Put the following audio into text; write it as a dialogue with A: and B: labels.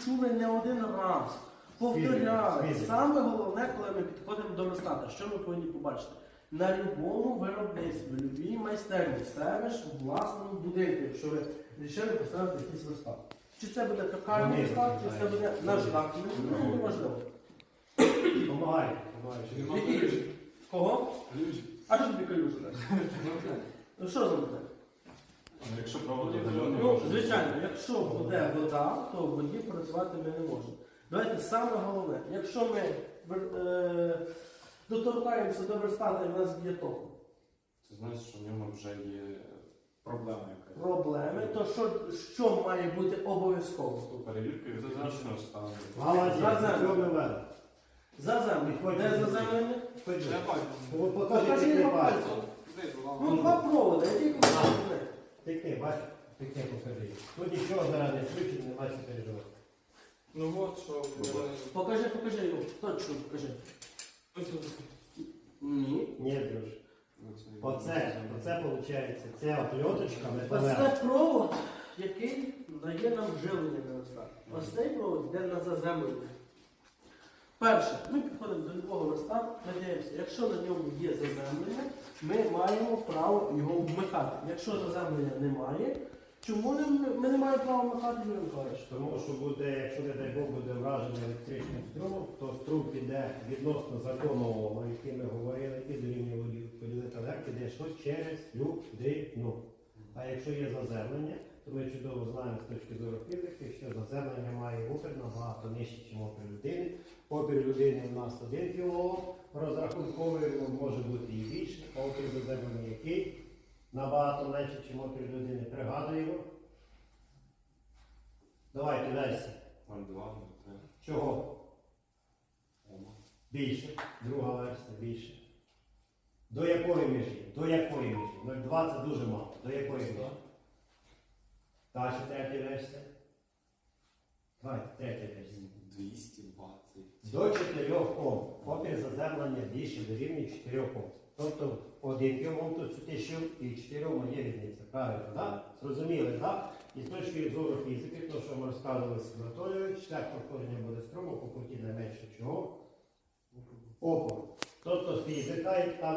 A: чули не один раз. Повторяли. Саме головне, коли ми підходимо до верстата, що ми повинні побачити? На будь-якому виробництві, в будь-якій майстерні, себе ж у власному будинку, якщо ви вирішили поставити якийсь верстат. Чи це буде токарний верстат, чи це буде наждак, ну, не важливо.
B: Помагай.
A: Який? Кого? А що тобі калюжа? Ну що за буде?
C: Якщо проводи удалений,
A: Ну, звичайно, якщо буде вода, то в воді працювати ми не можемо. Давайте саме головне, якщо ми доторкаємося до верстата і в нас б'є током.
C: це значить, що в ньому вже є проблема якась.
A: Проблеми, то що має бути обов'язково?
C: Перевірка екзотичного стану.
B: Молодець,
A: Заземлення. Де заземлення? Покажи
B: Покажи
A: його
B: пальцем.
A: пальцем. Ну, два проводи, які покажи.
B: Тикни, бач, тикни, покажи. Тут нічого зараз не включено, нема що переживати.
D: Ну от що.
A: Покажи його, точно покажи. Ні.
B: Ні, друж. Оце виходить, це опльоточка
A: Ось
B: металева.
A: це провод, який дає нам живлення на верстат. Ось цей провод йде на заземлення. Перше, ми підходимо до любого верстату, надіємося, якщо на ньому є заземлення, ми маємо право його вмикати. Якщо заземлення немає, чому ми не маємо права вмикати, Юрій Миколаївич?
B: Тому що буде, якщо, не дай Бог, буде враження електричним струмом, то струм піде відносно закону Ома, який ми говорили, і дорівнює поділити елект, піде що через людину. А якщо є заземлення, то ми чудово знаємо з точки зору фізики, що заземлення має опір набагато нижче, ніж опір людини. Опір людини у нас 1 кОм, розрахунковий може бути і більше, а опір заземлення який? Набагато менше, ніж опір людини. Пригадуємо. Давайте далі.
C: 0,2, 0,3.
B: Чого?
C: Ома.
B: Більше. Друга версія більше. До якої межі? До якої межі? 0,2 це дуже мало. До якої межі? Далі третя версія. Давайте, третя версія.
C: 220.
B: До 4 Ом. Опір заземлення більше дорівнює 4 Ом. Тобто 1 Ом тут 1000 і 4 Ом є різниця. Правильно, так? Зрозуміли, так? І з точки зору фізики, то, що ми розказували з Анатолійович, шлях проходження буде струму по куті найменше чого? Опору. Тобто фізика,